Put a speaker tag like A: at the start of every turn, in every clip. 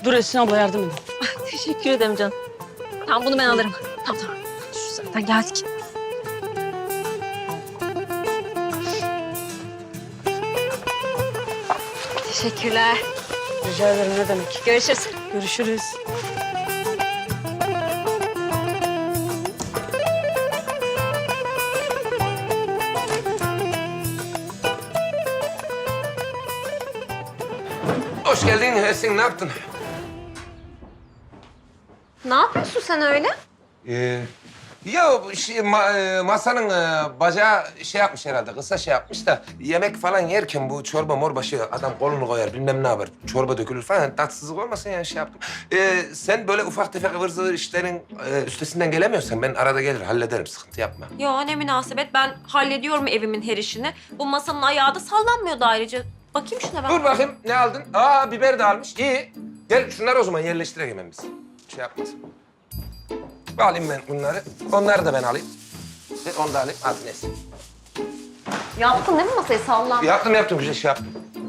A: Dur Esin abla yardım edin.
B: Teşekkür ederim canım. Tamam bunu ben alırım. Tamam. Şu zaten geldik. Teşekkürler.
A: Rica ederim ne demek.
B: Görüşürüz.
A: Görüşürüz.
C: Hoş geldin Esin, ne yaptın?
B: Ne yapıyorsun sen öyle?
C: Ya masanın bacağı şey yapmış herhalde, kısa şey yapmış da yemek falan yerken bu çorba morbaşı adam kolunu koyar bilmem ne yapar. Çorba dökülür falan, tatsızlık olmasın yani şey yaptım. Sen böyle ufak tefek ıvır zıvır işlerin üstesinden gelemiyorsan ben arada gelir hallederim, sıkıntı yapma.
B: Ya ne münasebet, ben hallediyorum evimin her işini. Bu masanın ayağı da sallanmıyordu ayrıca. Bakayım şuna ben.
C: Dur bakayım ne aldın? Aa biber de almış, iyi. Gel şunları o zaman yerleştirelim hemen biz. Şey yapmasın. Alayım ben bunları. Onları da ben alayım. Onu da alayım. Hadi neyse.
B: Yaptın değil mi masayı sallan?
C: Yaptım. Güzel şey yaptım.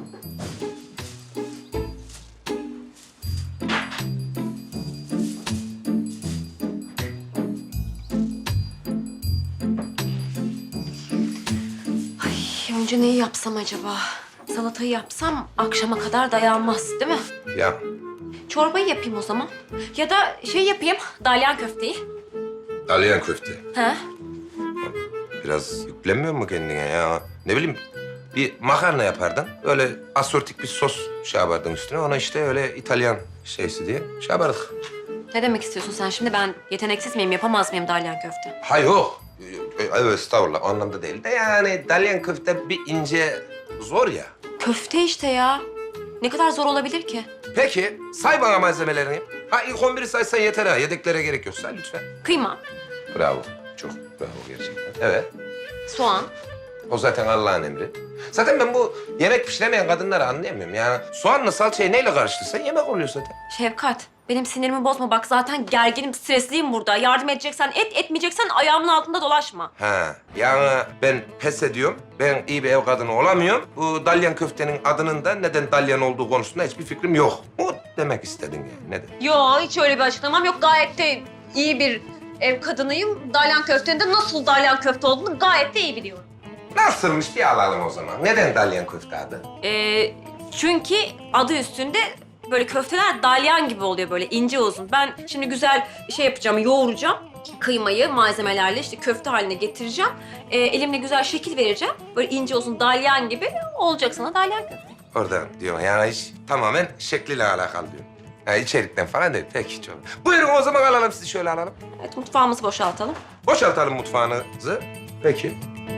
B: Ay, önce neyi yapsam acaba? Salatayı yapsam akşama kadar dayanmaz değil mi?
C: Ya
B: Çorbayı yapayım o zaman. Ya da şey yapayım, dalyan köfteyi.
C: dalyan köfte.
B: Ha?
C: Biraz yüklenmiyor mu kendine ya? Ne bileyim bir makarna yapardın. Öyle asortik bir sos şey yapardın üstüne. Ona işte öyle İtalyan şeysi diye şey yapardık.
B: Ne demek istiyorsun sen şimdi? Ben yeteneksiz miyim, yapamaz mıyım dalyan köfte?
C: Ha yok. Evet estağfurullah o anlamda değil de yani dalyan köfte bir ince zor ya.
B: Köfte işte ya. Ne kadar zor olabilir ki?
C: Peki say bana malzemelerini. Ha ilk 11'i saysan yeter ha. Yedeklere gerek yok. Say lütfen.
B: Kıyma,
C: Bravo. Çok bravo gerçekten. Evet.
B: soğan,
C: O zaten Allah'ın emri. Zaten ben bu yemek pişiremeyen kadınları anlayamıyorum. Yani soğanla salçayı neyle karıştırsan yemek oluyor zaten.
B: Şefkat. Benim sinirimi bozma. Bak zaten gerginim, stresliyim burada. Yardım edeceksen et, etmeyeceksen ayağımın altında dolaşma.
C: Ha, yani ben pes ediyorum. Ben iyi bir ev kadını olamıyorum. Bu dalyan köftenin adının da neden dalyan olduğu konusunda hiçbir fikrim yok. Bu demek istedin yani. Neden?
B: Yo, hiç öyle bir açıklamam yok. Gayet de iyi bir ev kadınıyım. Dalyan köftenin de nasıl dalyan köfte olduğunu gayet de iyi biliyorum.
C: Nasılmış bir alalım o zaman. Neden dalyan köfte adı?
B: Çünkü adı üstünde böyle köfteler dalyan gibi oluyor, böyle ince uzun. Ben şimdi güzel şey yapacağım, yoğuracağım. Kıymayı malzemelerle işte köfte haline getireceğim. Elimle güzel şekil vereceğim. Böyle ince uzun dalyan gibi olacak sana dalyan köfte.
C: Oradan diyor yani hiç tamamen şekliyle alakalı diyor. Yani içerikten falan değil. Peki çok. Buyurun o zaman alalım sizi şöyle alalım.
B: Evet, mutfağımızı boşaltalım.
C: Boşaltalım mutfağınızı. Peki.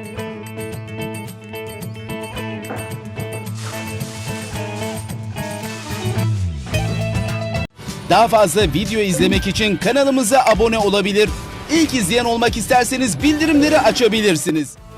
D: Daha fazla video izlemek için kanalımıza abone olabilir. İlk izleyen olmak isterseniz bildirimleri açabilirsiniz.